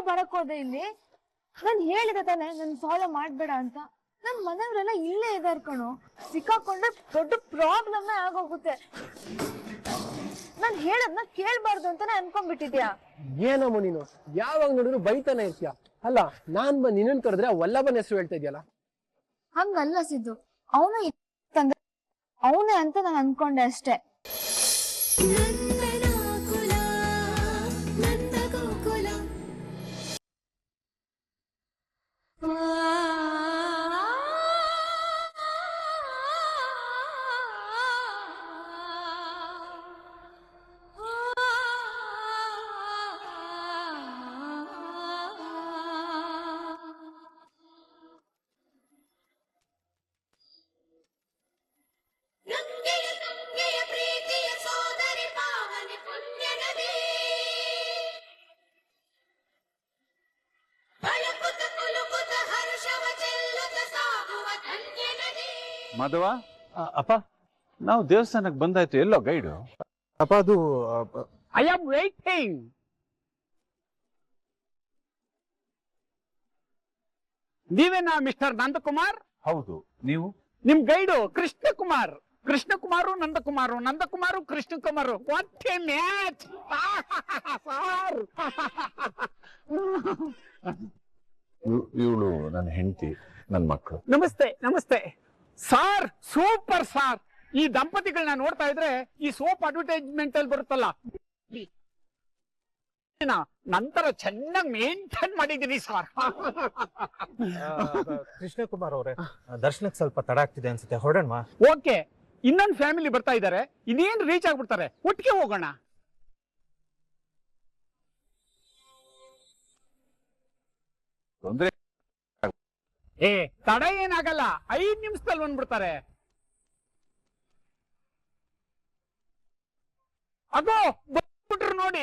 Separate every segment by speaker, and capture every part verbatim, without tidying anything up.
Speaker 1: ಬರಕ್ ಹೋದೆ ಇಲ್ಲಿ? ನಾನ್ ಹೇಳಿದೆ ತಾನೆ ನನ್ ಫಾಲೋ ಮಾಡ್ಬೇಡ ಅಂತ. ನಮ್ ಮನೆಯವರೆಲ್ಲ ಇಲ್ಲೇ ಇದಾರ್ ಕಣೋ. ಸಿಕ್ಕಾಕೊಂಡ್ರೆ ದೊಡ್ಡ ಪ್ರಾಬ್ಲಮ್ ಆಗೋಗುತ್ತೆ. ನಾನ್ ಹೇಳದ್ನ ಕೇಳ್ಬಾರ್ದು ಅಂತಾನೆ ಅನ್ಕೊಂಡ್ಬಿಟ್ಟಿದ್ಯಾ?
Speaker 2: ಏನಮ್ಮ ನೀನು ಯಾವಾಗ ನೋಡಿದ್ರು ಬೈತಾನೆ ಇರ್ತೀಯ. ಅಲ್ಲ ನಾನ್ ಬಂದ್ ನಿನ್ನನ್ ಕರೆದ್ರೆ ವಲ್ಲಭನ ಹೆಸರು ಹೇಳ್ತಾ ಇದೆಯಲ್ಲ.
Speaker 1: ಹಂಗಲ್ಲ ಸಿದ್ದು, ಅವನು ಅವನೇ ಅಂತ ನಾನು ಅನ್ಕೊಂಡೆ ಅಷ್ಟೇ.
Speaker 3: ಮಾಧವ,
Speaker 2: ಅಪ್ಪ
Speaker 3: ನಾವು ದೇವಸ್ಥಾನಕ್ಕೆ ಬಂದಾಯ್ತು. ಎಲ್ಲೋ ಗೈಡು?
Speaker 2: ಅಪ್ಪ ಅದು
Speaker 3: ಐ ಆಮ್ ವೇಟಿಂಗ್. ನೀವೇನಾ ಮಿಸ್ಟರ್ ನಂದಕುಮಾರ್? ಹೌದು. ನೀವು? ನಿಮ್ guide Krishnakumar. Krishnakumar Nandakumar, Nandakumar Krishnakumar. What a match sir.
Speaker 4: ಇವಳು ನನ್ನ ಹೆಂಡತಿ, ನನ್ನ ಮಕ್ಕಳು.
Speaker 3: ನಮಸ್ತೆ ನಮಸ್ತೆ ಸಾರ್. Super sir. ಈ ದಂಪತಿಗಳನ್ನ ನೋಡ್ತಾ ಇದ್ರೆ ಈ ಸೋಪ್ ಅಡ್ವರ್ಟೈಸ್ಮೆಂಟ್ ಅಲ್ಲಿ ಬರುತ್ತಲ್ಲ, ನಂತರ ಚೆನ್ನಾಗಿ ಮೇಂಟೈನ್ ಮಾಡಿದೀನಿ ಸಾರ್.
Speaker 5: ಕೃಷ್ಣಕುಮಾರ್ ಅವರೇ, ದರ್ಶನಕ್ಕೆ ಸ್ವಲ್ಪ ತಡ ಆಗ್ತಿದೆ ಅನ್ಸುತ್ತೆ, ಹೊರಡೋಣ.
Speaker 3: ಓಕೆ, ಇನ್ನೊಂದು ಫ್ಯಾಮಿಲಿ ಬರ್ತಾ ಇದ್ದಾರೆ. ಇನ್ನೇನು ರೀಚ್ ಆಗ್ಬಿಡ್ತಾರೆ, ಒಟ್ಟಿಗೆ ಹೋಗೋಣ.
Speaker 4: ತೊಂದ್ರೆ
Speaker 3: ಏ ತಡ ಏನಾಗಲ್ಲ, ಐದ್ ನಿಮಿಷದಲ್ಲಿ ಬಂದ್ಬಿಡ್ತಾರೆ. ಅಗೋ ಬಂದ್ಬಿಟ್ರು ನೋಡಿ.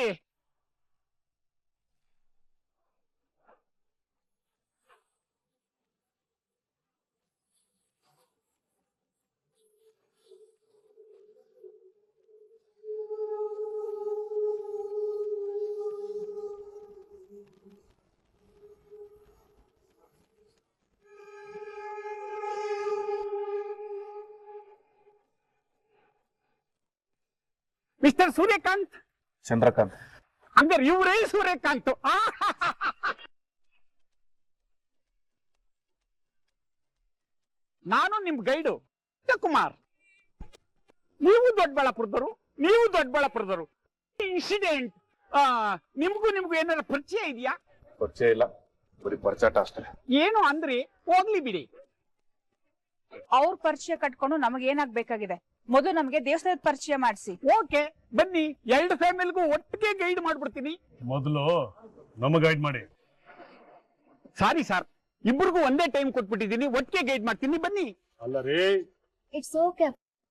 Speaker 3: ಮಿಸ್ಟರ್ ಸೂರ್ಯಕಾಂತ್.
Speaker 4: ಚಂದ್ರಕಾಂತ್.
Speaker 3: ಹಂಗಾರೆ ಇವರೇ ಸೂರ್ಯಕಾಂತ್. ನಾನು ನಿಮ್ ಗೈಡು ಕುಮಾರ್. ನೀವು ದೊಡ್ಡಬಳ್ಳಾಪುರದವರು, ನೀವು ದೊಡ್ಡಬಳ್ಳಾಪುರದವರು. ಇನ್ಸಿಡೆಂಟ್ ನಿಮ್ಗೂ ನಿಮ್ಗೂ ಏನಾರ ಪರಿಚಯ ಇದೆಯಾ?
Speaker 4: ಪರಿಚಯ ಇಲ್ಲ, ಬರೀ ಪರಿಚಾಟ ಅಷ್ಟೇ.
Speaker 3: ಏನು ಅಂದ್ರಿ? ಹೋಗ್ಲಿ ಬಿಡಿ.
Speaker 6: ಅವ್ರ ಪರಿಚಯ ಕಟ್ಕೊಂಡು ನಮಗೆ ಏನಾಗ್ಬೇಕಾಗಿದೆ? ಮೊದಲು ನಮ್ಗೆ ದೇವಸ್ಥಾನದ ಪರಿಚಯ ಮಾಡಿಸಿ.
Speaker 3: ಓಕೆ ಬನ್ನಿ, ಎರಡು ಫ್ಯಾಮಿಲಿಗೂ ಒಟ್ಟಿಗೆ ಗೈಡ್ ಮಾಡ್ಬಿಡ್ತೀನಿ.
Speaker 7: ಮೊದಲು ನಮ ಗೈಡ್ ಮಾಡಿ.
Speaker 3: ಸಾರಿ ಸರ್, ಇಬ್ಬರಿಗೂ ಒಂದೇ ಟೈಮ್ ಕೊಟ್ಬಿಟ್ಟಿದ್ದೀನಿ, ಒಟ್ಟಿಗೆ ಗೈಡ್ ಮಾಡ್ತೀನಿ, ಬನ್ನಿ.
Speaker 7: ಅಲ್ಲ ರೀ,
Speaker 1: ಇಟ್ಸ್ ಓಕೆ.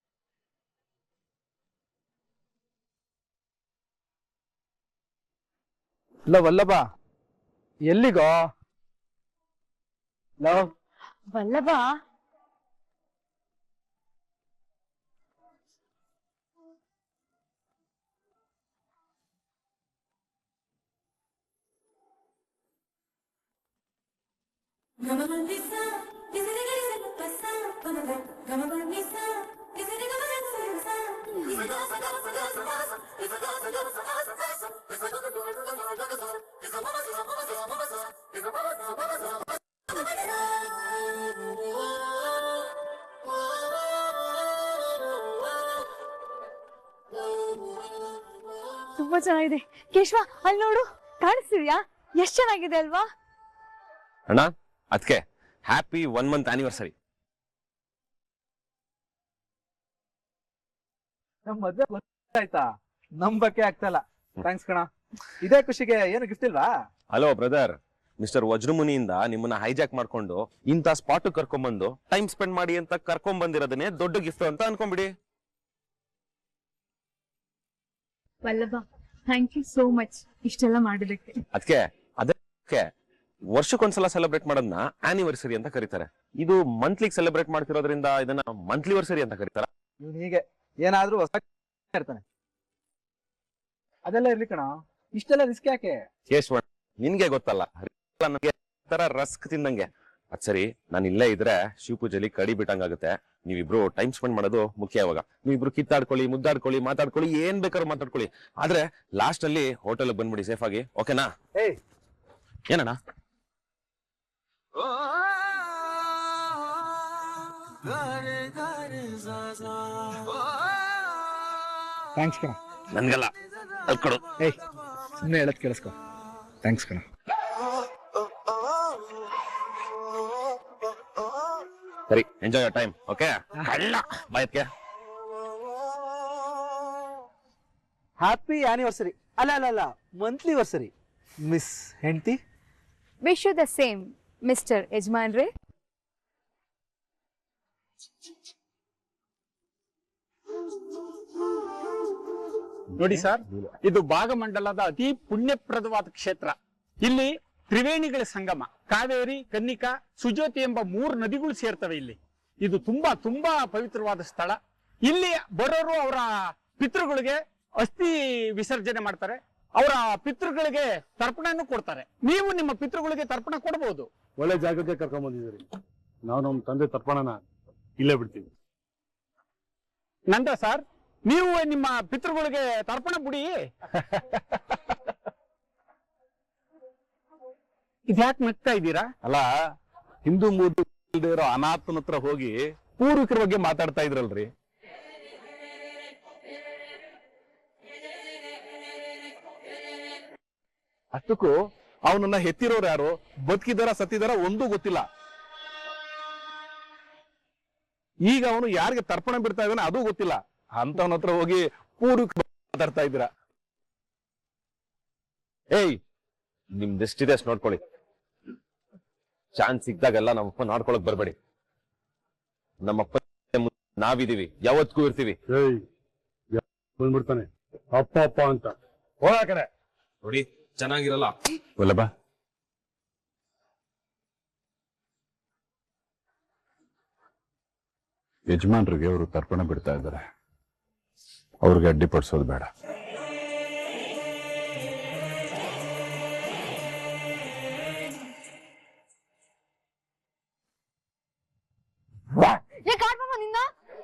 Speaker 2: ಇಲ್ಲ ವಲ್ಲಭ, ಎಲ್ಲಿಗೋ? ಲವ್
Speaker 1: ವಲ್ಲಭ, ತುಂಬಾ ಚೆನ್ನಾಗಿದೆ. ಕೇಶವ, ಅಲ್ಲಿ ನೋಡು, ಕಾಣಿಸ್ತಿದ್ಯಾ? ಎಷ್ಟ್ ಚೆನ್ನಾಗಿದೆ ಅಲ್ವಾ?
Speaker 4: ಅಣ್ಣ, ಅದಕ್ಕೆ ಹ್ಯಾಪಿ ಒನ್ ಮಂತ್ ಆನಿವರ್ಸರಿ.
Speaker 5: ನಮ್ ಮದ್ವೆ ಆಯ್ತಾ? ನಂಬಕ್ಕೆ ಆಗ್ತಲ್ಲ. ಥ್ಯಾಂಕ್ಸ್ ಕಣ. ಇದೇ ಖುಷಿಗೆ ಏನು ಗಿಫ್ಟ್ ಇಲ್ವಾ?
Speaker 4: ಹಲೋ ಬ್ರದರ್, ಮಿಸ್ಟರ್ ವಜ್ರಮುನಿಯಿಂದ ನಿಮ್ಮನ್ನ ಹೈಜಾಕ್ ಮಾಡ್ಕೊಂಡು ಇಂಥ ಸ್ಪಾಟ್ ಕರ್ಕೊಂಡ್ಬಂದು ಟೈಮ್ ಸ್ಪೆಂಡ್ ಮಾಡಿ ಅಂತ ಕರ್ಕೊಂಡ್ ಬಂದಿರೋದನ್ನೇ ದೊಡ್ಡ ಗಿಫ್ಟ್ ಅಂತ ಅನ್ಕೊಂಡ್ಬಿಡಿ.
Speaker 1: Vallabha, thank you so much ಇಷ್ಟೆಲ್ಲ ಮಾಡಿದಕ್ಕೆ.
Speaker 4: ಅದಕ್ಕೆ ಅದಕ್ಕೆ ವರ್ಷಕ್ಕೊಂದ್ಸಲ ಸೆಲೆಬ್ರೇಟ್ ಮಾಡೋದನ್ನ ಆನಿವರ್ಸರಿ ಅಂತ ಕರೀತಾರೆ. ಇದು ಮಂತ್ಲಿ ಸೆಲೆಬ್ರೇಟ್ ಮಾಡ್ತಿರೋದ್ರಿಂದ ಇದನ್ನ ಮಂತ್ಲಿ ವರ್ಸರಿ ಅಂತ ಕರೀತಾರ.
Speaker 5: ಇವ್ನು ಹೀಗೆ ಏನಾದ್ರೂ ಹೊಸ ಇರ್ತಾನೆ. ಅದೆಲ್ಲ ಇರ್ಲಿ ಕಣ, ಇಷ್ಟೆಲ್ಲ ರಿಸ್ಕ್ ಯಾಕೆ?
Speaker 4: ಕೇಶವಣ್ಣ, ನಿನ್ಗೆ ಗೊತ್ತಲ್ಲ ನನಗೆ ತರ ರಸ್ಕ್ ತಿಂದಂಗೆ. ಅದ್ ಸರಿ, ನಾನು ಇಲ್ಲೇ ಇದ್ರೆ ಶಿವ ಪೂಜೆಲಿ ಕಡಿ ಬಿಟ್ಟಂಗಾಗುತ್ತೆ. ನೀವಿಬ್ರು ಟೈಮ್ ಸ್ಪೆಂಡ್ ಮಾಡೋದು ಮುಖ್ಯ. ಇವಾಗ ನೀವಿಬ್ರು ಕಿತ್ತಾಡ್ಕೊಳ್ಳಿ, ಮುದ್ದಾಡ್ಕೊಳ್ಳಿ, ಮಾತಾಡ್ಕೊಳ್ಳಿ, ಏನ್ ಬೇಕಾದ್ರೂ ಮಾತಾಡ್ಕೊಳ್ಳಿ. ಆದ್ರೆ ಲಾಸ್ಟ್ ಅಲ್ಲಿ ಹೋಟೆಲ್ ಬಂದ್ಬಿಡಿ ಸೇಫ್ ಆಗಿ, ಓಕೆನಾ?
Speaker 5: ಏಯ್
Speaker 4: ಏನಣ್ಣ?
Speaker 5: ಥ್ಯಾಂಕ್ಸ್ ಕಣ.
Speaker 4: ನನ್ಗಲ್ಲ, ಅದ್ ಕೊಡು.
Speaker 5: ಏಯ್ ಸುಮ್ಮನೆ ಹೇಳದ್ ಕೇಳಿಸ್ಕೊ. ಥ್ಯಾಂಕ್ಸ್ ಕಣ.
Speaker 4: ಸರಿ, ಎಂಜಾಯ್ ಯೋರ್ ಟೈಮ್, ಓಕೆ? ಬಾಯತ್ಗೆ
Speaker 5: ಹ್ಯಾಪಿ ಆನಿವರ್ಸರಿ. ಅಲ್ಲ ಅಲ್ಲ ಅಲ್ಲ ಮಂತ್ಲಿ ವರ್ಸರಿ ಮಿಸ್ ಹೆಂಡ್ತಿ.
Speaker 1: Wish you the same mister ಯಜಮಾನ್ರೆ.
Speaker 3: ನೋಡಿ ಸರ್, ಇದು ಭಾಗಮಂಡಲದ ಅತಿ ಪುಣ್ಯಪ್ರದವಾದ ಕ್ಷೇತ್ರ. ಇಲ್ಲಿ ತ್ರಿವೇಣಿಗಳ ಸಂಗಮ, ಕಾವೇರಿ, ಕನ್ನಿಕಾ, ಸುಜೋತಿ ಎಂಬ ಮೂರು ನದಿಗಳು ಸೇರ್ತವೆ ಇಲ್ಲಿ. ಇದು ತುಂಬಾ ತುಂಬಾ ಪವಿತ್ರವಾದ ಸ್ಥಳ. ಇಲ್ಲಿ ಬರೋರು ಅವರ ಪಿತೃಗಳಿಗೆ ಅಸ್ಥಿ ವಿಸರ್ಜನೆ ಮಾಡ್ತಾರೆ, ಅವರ ಪಿತೃಗಳಿಗೆ ತರ್ಪಣನೂ ಕೊಡ್ತಾರೆ. ನೀವು ನಿಮ್ಮ ಪಿತೃಗಳಿಗೆ ತರ್ಪಣ ಕೊಡಬಹುದು.
Speaker 7: ಒಳ್ಳೆ ಜಾಗಕ್ಕೆ ಕರ್ಕೊಂಡ್ ಬಂದಿದ್ದೀರಿ. ನಾವು ನಮ್ಮ ತಂದೆ ತರ್ಪಣನ ಇಲ್ಲೇ ಬಿಡ್ತೀವಿ.
Speaker 3: ನಂದ ಸರ್, ನೀವು ನಿಮ್ಮ ಪಿತೃಗಳಿಗೆ ತರ್ಪಣ ಬಿಡಿ. ಇದ್ಯಾಕೆ ನಗ್ತಾ ಇದ್ದೀರಾ?
Speaker 7: ಅಲ್ಲ, ಹಿಂದೂ ಮೂರ್ತಿ ಇಲ್ದೇ ಇರೋ ಅನಾಥನ ಹತ್ರ ಹೋಗಿ ಪೂರ್ವಿಕರ ಬಗ್ಗೆ ಮಾತಾಡ್ತಾ ಇದ್ರಲ್ರಿ. ಅಷ್ಟಕ್ಕೂ ಅವನನ್ನ ಹೆತ್ತಿರೋರು ಯಾರು, ಬದುಕಿದಾರ ಸತ್ತಿದಾರ ಒಂದೂ ಗೊತ್ತಿಲ್ಲ. ಈಗ ಅವನು ಯಾರಿಗೆ ತರ್ಪಣ ಬಿಡ್ತಾ ಇದ್ದಾನೆ ಅದೂ ಗೊತ್ತಿಲ್ಲ. ಅಂತವನ ಹತ್ರ ಹೋಗಿ ಪೂರ್ವಿಕ ಮಾತಾಡ್ತಾ ಇದ್ದೀರಾ.
Speaker 4: ಏಯ್, ನಿಮ್ದೆಷ್ಟಿದೆ ಅಷ್ಟು ನೋಡ್ಕೊಳ್ಳಿ. ಚಾನ್ಸ್ ಸಿಕ್ದಾಗೆಲ್ಲ ನಮ್ಮಪ್ಪ ನೋಡ್ಕೊಳಕ್ ಬರ್ಬೇಡಿ. ನಮ್ಮಪ್ಪ ನಾವಿದೀವಿ, ಯಾವತ್ತಿಗೂ ಇರ್ತೀವಿ.
Speaker 7: ಏಯ್ ಬಂದ್ಬಿಡ್ತಾನೆ ಅಪ್ಪ ಅಪ್ಪ ಅಂತ. ಹೋಗ ಕಡೆ
Speaker 4: ನೋಡಿ, ಚೆನ್ನಾಗಿರಲ್ಲ.
Speaker 7: ವಲ್ಲಭ, ಯಜಮಾನ್ರಿಗೆ ಅವರು ತರ್ಪಣ ಬಿಡ್ತಾ ಇದ್ದಾರೆ, ಅವ್ರಿಗೆ ಅಡ್ಡಿಪಡಿಸೋದು ಬೇಡ.
Speaker 1: ನಿನ್ನ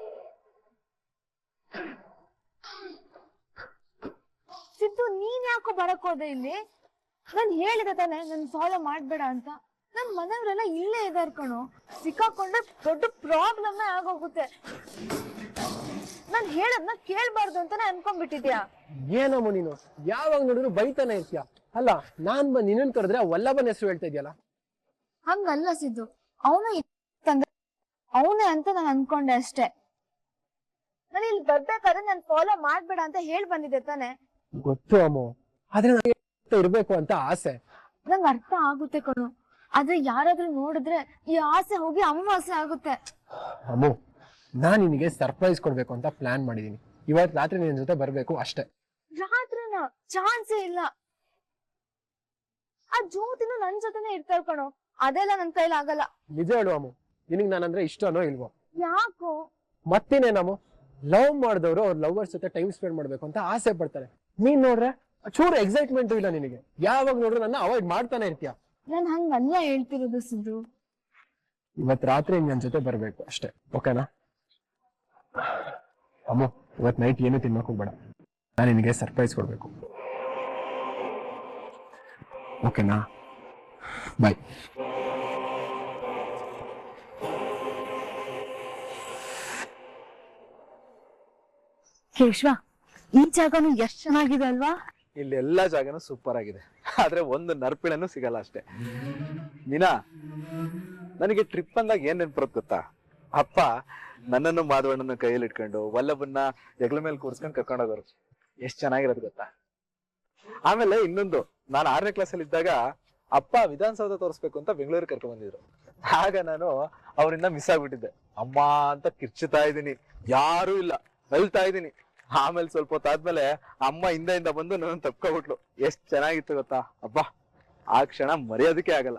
Speaker 1: ಸಿದ್ದು, ನೀನ್ ಯಾಕೋ ಬರಕ್ ಹೋದೆ ಇಲ್ಲಿ? ನಾನ್ ಹೇಳಿದೆ ತಾನೆ ನನ್ ಫಾಲೋ ಮಾಡ್ಬೇಡ ಅಂತ. ನನ್ ಮನೆಯವರೆಲ್ಲ ಇಲ್ಲೇ ಇದಾರ್ ಕಣೋ. ಸಿಕ್ಕಾಕೊಂಡ್ರೆ ದೊಡ್ಡ ಪ್ರಾಬ್ಲಮ್ ಆಗೋಗುತ್ತೆ. ನಾನ್ ಹೇಳದ್ನ ಕೇಳ್ಬಾರ್ದು ಅಂತಾನೆ ಅನ್ಕೊಂಡ್ಬಿಟ್ಟಿದ್ಯಾ?
Speaker 2: ಏನಮ್ಮ ನೀನು ಯಾವಾಗ ನೋಡಿದ್ರು ಬೈತಾನೆ ಇರ್ತೀಯ. ಅಲ್ಲ, ನಾನ್ ಬಂದ್ ನಿನ್ನನ್ ಕರೆದ್ರೆ ಆ ವಲ್ಲಭನ ಹೆಸರು ಹೇಳ್ತಾ ಇದೆಯಲ್ಲ.
Speaker 1: ಹಂಗಲ್ಲ ಸಿದ್ದು, ಅವನು ತಂದೆ ಅವನೇ ಅಂತ ನಾನು ಅನ್ಕೊಂಡೆ ಅಷ್ಟೇ. ನಾನು ಇಲ್ಲಿ ಬರ್ಬೇಕಾದ್ರೆ ನನ್ ಫಾಲೋ ಮಾಡ್ಬೇಡ ಅಂತ ಹೇಳ್ ಬಂದಿದ್ದೆ ತಾನೆ.
Speaker 2: ಗೊತ್ತು ಅಮ್ಮ, ಆದ್ರೆ ನನಗೆ ಇರ್ಬೇಕು ಅಂತ ಆಸೆ.
Speaker 1: ನಂಗ್ ಅರ್ಥ ಆಗುತ್ತೆ ಕಣು, ಆದ್ರೆ ಯಾರಾದ್ರೂ ನೋಡಿದ್ರೆ ಈ ಆಸೆ ಹೋಗಿ ಅಮಾವಾಸ್ಯೆ ಆಗುತ್ತೆ.
Speaker 2: ಅಮ್ಮ, ನಾನ್ ನಿನಗೆ ಸರ್ಪ್ರೈಸ್ ಕೊಡ್ಬೇಕು ಅಂತ ಪ್ಲಾನ್ ಮಾಡಿದೀನಿ. ಇವತ್ ರಾತ್ರಿ ನಿನ್ ಜೊತೆ ಬರ್ಬೇಕು ಅಷ್ಟೇ.
Speaker 1: ರಾತ್ರಿನ ಚಾನ್ಸೇ ಇಲ್ಲ. ಆ ಜ್ಯೋತಿನೂ ನನ್ ಜೊತೆನೆ ಇರ್ತಾಳ ಕಣೋ, ಅದೆಲ್ಲ ನನ್ ಕೈಲಿ ಆಗಲ್ಲ.
Speaker 2: ನಿಜ ಹೇಳು ಅಮ್ಮ, ನಿನಗ್ ನಾನಂದ್ರೆ ಇಷ್ಟನೋ ಇಲ್ವೋ?
Speaker 1: ಯಾಕೋ?
Speaker 2: ಮತ್ತೇನೇನಮ್ಮ, ಲವ್ ಮಾಡಿದವರು ಅವ್ರ ಲವರ್ಸ್ ಜೊತೆ ಟೈಮ್ ಸ್ಪೆಂಡ್ ಮಾಡ್ಬೇಕು ಅಂತ ಆಸೆ ಪಡ್ತಾರೆ. ನೀನ್ ನೋಡ್ರೆ ಚೂರು ಎಕ್ಸೈಟ್ಮೆಂಟ್ ಇಲ್ಲ ನಿನಗೆ. ಯಾವಾಗ ನೋಡ್ರೆ ನನ್ನ ಅವಾಯ್ಡ್ ಮಾಡ್ತಾನೆ ಇರ್ತೀಯ.
Speaker 1: ನಾನ್ ಹಂಗಲ್ಲ ಹೇಳ್ತಿರೋದು ಸಿದ್ದು.
Speaker 2: ಇವತ್ ರಾತ್ರಿ ನನ್ ಜೊತೆ ಬರ್ಬೇಕು ಅಷ್ಟೇ, ಓಕೆನಾ? ಅಮ್ಮ, ಇವತ್ ನೈಟ್ ಏನು ತಿನ್ನಕ್ ಹೋಗ್ಬೇಡ. ನಾನು ನಿನಗೆ ಸರ್ಪ್ರೈಸ್ ಕೊಡ್ಬೇಕು, ಓಕೆನಾ? ಬಾಯ್.
Speaker 1: ಕೇಶವ, ಈ ಜಾಗನು ಎಷ್ಟ್ ಚೆನ್ನಾಗಿದೆ ಅಲ್ವಾ?
Speaker 5: ಇಲ್ಲಿ ಎಲ್ಲಾ ಜಾಗನೂ ಸೂಪರ್ ಆಗಿದೆ, ಆದ್ರೆ ಒಂದು ನರ್ಪಿಳನ್ನು ಸಿಗಲ್ಲ ಅಷ್ಟೇ. ಮೀನಾ, ನನಗೆ ಟ್ರಿಪ್ ಅಂದಾಗ ಏನ್ ನೆನ್ಪುರತ್ ಗೊತ್ತಾ? ಅಪ್ಪ ನನ್ನನ್ನು ಮಾಧವಣ್ಣನ ಕೈಯಲ್ಲಿ ಇಟ್ಕೊಂಡು ವಲ್ಲಭನ್ನ ಹೆಗ್ಲ ಮೇಲೆ ಕೂರ್ಸ್ಕೊಂಡು ಕರ್ಕೊಂಡು ಹೋಗೋರು. ಎಷ್ಟ್ ಚೆನ್ನಾಗಿರೋದು ಗೊತ್ತಾ? ಆಮೇಲೆ ಇನ್ನೊಂದು, ನಾನು ಆರನೇ ಕ್ಲಾಸ್ ಅಲ್ಲಿ ಇದ್ದಾಗ ಅಪ್ಪ ವಿಧಾನಸೌಧ ತೋರಿಸ್ಬೇಕು ಅಂತ ಬೆಂಗಳೂರಿಗೆ ಕರ್ಕೊಂಡ್ ಬಂದಿದ್ರು. ಆಗ ನಾನು ಅವರಿಂದ ಮಿಸ್ ಆಗ್ಬಿಟ್ಟಿದ್ದೆ. ಅಮ್ಮ ಅಂತ ಕಿರ್ಚುತ್ತಾ ಇದ್ದೀನಿ, ಯಾರು ಇಲ್ಲ, ಅಳ್ತಾ ಇದ್ದೀನಿ. ಆಮೇಲೆ ಸ್ವಲ್ಪ ಹೊತ್ತಾದ್ಮೇಲೆ ಅಮ್ಮ ಹಿಂದೆಯಿಂದ ಬಂದು ನನ್ನ ತಪ್ಕೊಬಿಟ್ಲು. ಎಷ್ಟ್ ಚೆನ್ನಾಗಿತ್ತು ಗೊತ್ತಾ? ಅಬ್ಬಾ, ಆ ಕ್ಷಣ ಮರೆಯೋದಕ್ಕೆ ಆಗಲ್ಲ.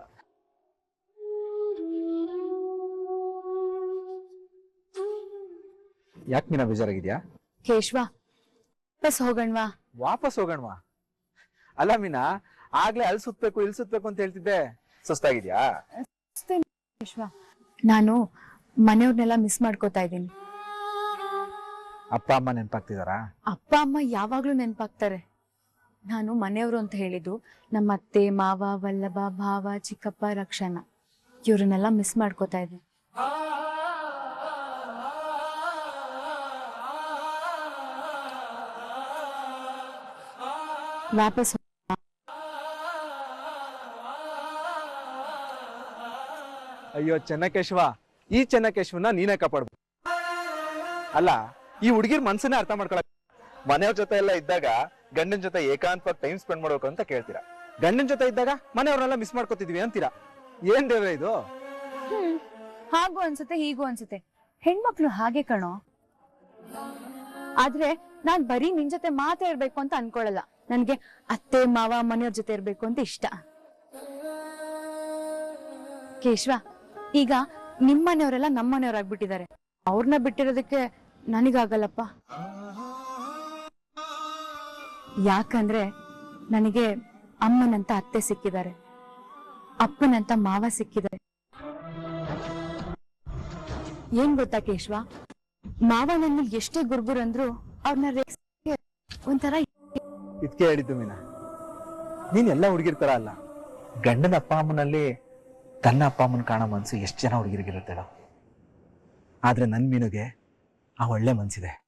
Speaker 5: ಯಾಕೆ ಮೀನಾ ಬೇಜಾರಾಗಿದ್ಯಾ?
Speaker 1: ಕೇಶವ, ಬಸ್ ಹೋಗಣ್ವಾ?
Speaker 5: ವಾಪಸ್ ಹೋಗೋಣವಾ? ಅಲ್ಲ ಮೀನಾ, ಆಗ್ಲೇ ಅಲ್ಲಿ ಸುತ್ಬೇಕು ಇಲ್ಲಿ ಸುತ್ಬೇಕು ಅಂತ ಹೇಳ್ತಿದ್ದೆ, ಸುಸ್ತಾಗಿದ್ಯಾ?
Speaker 1: ವಿಶ್ವ, ನಾನು ಮನೆಯವ್ರನ್ನೆಲ್ಲ ಮಿಸ್ ಮಾಡ್ಕೋತಾ ಇದ್ದೀನಿ.
Speaker 5: ಅಪ್ಪ ಅಮ್ಮ ನೆನ್ಪಾಗ್ತಿದಾರಾ?
Speaker 1: ಅಪ್ಪ ಅಮ್ಮ ಯಾವಾಗ್ಲೂ ನೆನ್ಪಾಗ್ತಾರೆ. ನಾನು ಮನೆಯವರು ಅಂತ ಹೇಳಿದ್ದು ನಮ್ಮ ಅತ್ತೆ, ಮಾವ, ವಲ್ಲಭ, ಭಾವ, ಚಿಕ್ಕಪ್ಪ, ರಕ್ಷಣ, ಇವ್ರನ್ನೆಲ್ಲ ಮಿಸ್ ಮಾಡ್ಕೋತಾ ಇದ್ದೀನಿ. ವಾಪಸ್
Speaker 5: ಅಯ್ಯೋ ಚೆನ್ನಕೇಶವ, ಈ ಚೆನ್ನಕೇಶವನ ನೀನೇ ಕಾಪಾಡ್ಬೇಕು. ಅಲ್ಲ, ಈ ಹುಡುಗಿರ್ ಮನ್ಸನ್ನೇ ಅರ್ಥ ಮಾಡ್ಕೊಳಕ್ ಮನೆಯವ್ರ ಜೊತೆ ಎಲ್ಲ ಇದ್ದಾಗ ಗಂಡನ ಜೊತೆ ಏಕಾಂತವಾಗಿ ಟೈಮ್ ಸ್ಪೆಂಡ್ ಮಾಡ್ಬೇಕು ಅಂತ ಕೇಳ್ತೀರಾ, ಗಂಡನ ಜೊತೆ ಇದ್ದಾಗ ಮನೆಯವ್ರನ್ನೆಲ್ಲ ಮಿಸ್ ಮಾಡ್ಕೋತಿದೀವಿ ಅಂತೀರಾ. ಏನ್ ದೇವ್ರೆ ಇದು?
Speaker 1: ಹ್ಮ್ ಹಾಗೂ ಅನ್ಸುತ್ತೆ ಹೀಗೂ ಅನ್ಸುತ್ತೆ. ಹೆಣ್ಮಕ್ಳು ಹಾಗೆ ಕಣೋ. ಆದ್ರೆ ನಾನ್ ಬರೀ ನಿನ್ ಜೊತೆ ಮಾತೇ ಇರ್ಬೇಕು ಅಂತ ಅನ್ಕೊಳಲ್ಲ. ನನ್ಗೆ ಅತ್ತೆ ಮಾವ ಮನೆಯವ್ರ ಜೊತೆ ಇರ್ಬೇಕು ಅಂತ ಇಷ್ಟ. ಕೇಶವ, ಈಗ ನಿಮ್ಮನೆಯವರೆಲ್ಲ ನಮ್ಮನೆಯವ್ರಾಗ್ಬಿಟ್ಟಿದ್ದಾರೆ. ಅವ್ರನ್ನ ಬಿಟ್ಟಿರೋದಕ್ಕೆ ನನಗಾಗಲ್ಲಪ್ಪ. ಯಾಕಂದ್ರೆ ನನಗೆ ಅಮ್ಮನಂತ ಅತ್ತೆ ಸಿಕ್ಕಿದ್ದಾರೆ, ಅಪ್ಪನಂತ ಮಾವ ಸಿಕ್ಕಿದ್ದಾರೆ. ಏನ್ ಗೊತ್ತಾ ಕೇಶವ, ಮಾವ ನನ್ನ ಎಷ್ಟೇ ಗುರ್ಗುರ್ ಅಂದ್ರು ಅವ್ರನ್ನ ರೇಗ್ಸಕ್ಕೆ ಒಂಥರ.
Speaker 5: ಇದ್ಕೆ ಹೇಳಿದ್ದು ಮೀನಾ, ನೀನ್ ಎಲ್ಲ ಹುಡುಗಿರ್ತಾರ ಅಲ್ಲ, ಗಂಡನ ಅಪ್ಪ ಅಮ್ಮನಲ್ಲಿ ತನ್ನ ಅಪ್ಪ ಅಮ್ಮನ ಕಾಣೋ ಮನ್ಸು ಎಷ್ಟು ಜನ ಹುಡುಗಿರಿಗಿರುತ್ತೇಳೋ. ಆದ್ರೆ ನನ್ ಮೀನುಗೆ ಆ ಒಳ್ಳೆ ಮನ್ಸಿದೆ.